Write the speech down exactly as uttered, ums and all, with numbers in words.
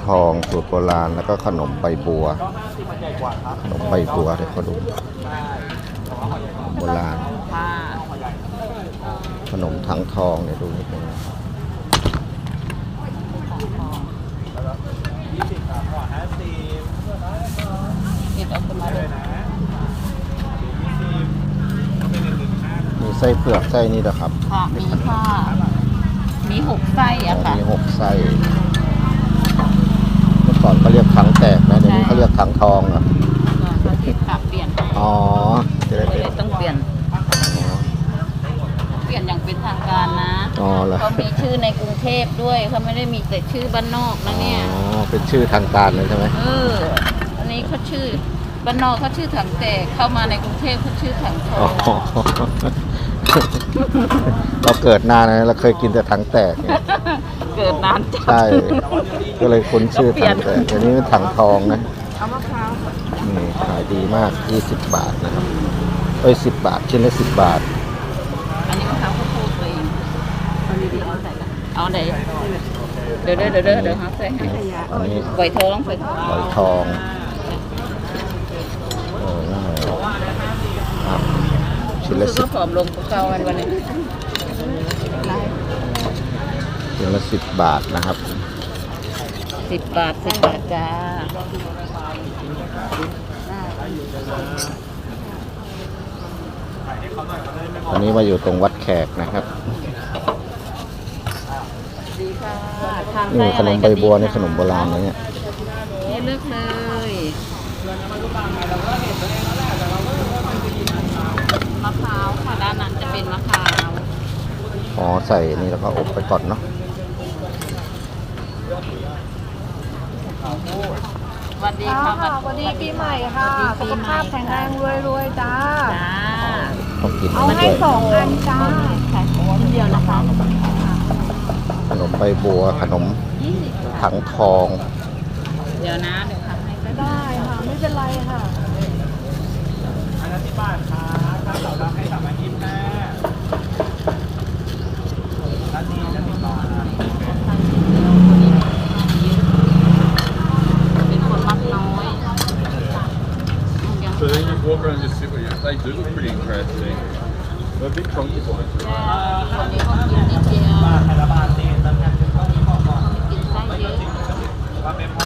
ทองสูตรโบราณแล้วก็ขนมใบบัวขนมใบบัวเดี๋ยวเขาดูโบราณขนมถังทองเนี่ยดูนิดนึงมีไส้เผือกไส้นี่นะครับค่ะมีค่ะมีหกไส้อะค่ะมีหกไส้เมื่อก่อนเขาเรียกถังแตกนะเดี๋ยวนี้เขาเรียกถังทองอ่ะเขาที่ปรับเปลี่ยนให้อ๋อจะได้เลยต้องเปลี่ยนเปลี่ยนอย่างเป็นทางการนะอ๋อเหรอเขามีชื่อในกรุงเทพด้วยเขาไม่ได้มีแต่ชื่อบ้านนอกนะเนี่ยอ๋อเป็นชื่อทางการเลยใช่ไหมเอออันนี้เขาชื่อบ้านนอกเขาชื่อถังแตกเข้ามาในกรุงเทพเขาชื่อถังทองเราเกิดนานนะเราเคยกินแต่ถังแตกเนี่ยเกิดนานใช่ก็เลยคุ้นชื่อถังแตกอันนี้เป็นถังทองนะเอามะพร้าวนี่ขายดีมากยี่สิบบาทนะครับเอ้ยสิบบาทชิ้นละสิบบาทอันนี้มะพร้าวข้าวโพดเองเอาดีๆเอาใส่กันเอาไหนเดี๋ยวเดี๋ยวเดี๋ยวเดี๋ยวเขาใส่ให้อันนี้ใบทองใบทองใบทองเออน่าครับชิ้นละสิบผอมลงเก่าวันวันนี้ชิ้นละสิบบาทนะครับสิบบาทสิบบาทจ้าอันนี้มาอยู่ตรงวัดแขกนะครับดีค่ะนี่ขนมใบบัวนี่ขนมโบราณนะเนี่ยนี่เลือกเลยมะพร้าวค่ะด้านนั้นจะเป็นมะพร้าวอ๋อใส่นี่แล้วก็อบไปก่อนเนาะสวัสดีค่ะสวัสดีปีใหม่ค่ะสุขภาพแข็งแรงรวยๆจ้าจ้าต้องกินเอาให้สองอันจ้าเดียวนะคะขนมใบบัวขนมถังทองเดี๋ยวนะเดี๋ยวทำให้ก็ได้ค่ะไม่เป็นไรค่ะอันนั้นที่บ้านค่ะถ้าเรารับให้สามอาทิตย์แม่ร้านนี้จะติดต่อเป็นคนมักน้อย So then you walk around and just sit with you. They do look pretty interesting. They're a bit chunky ones. คนนี้เขากิน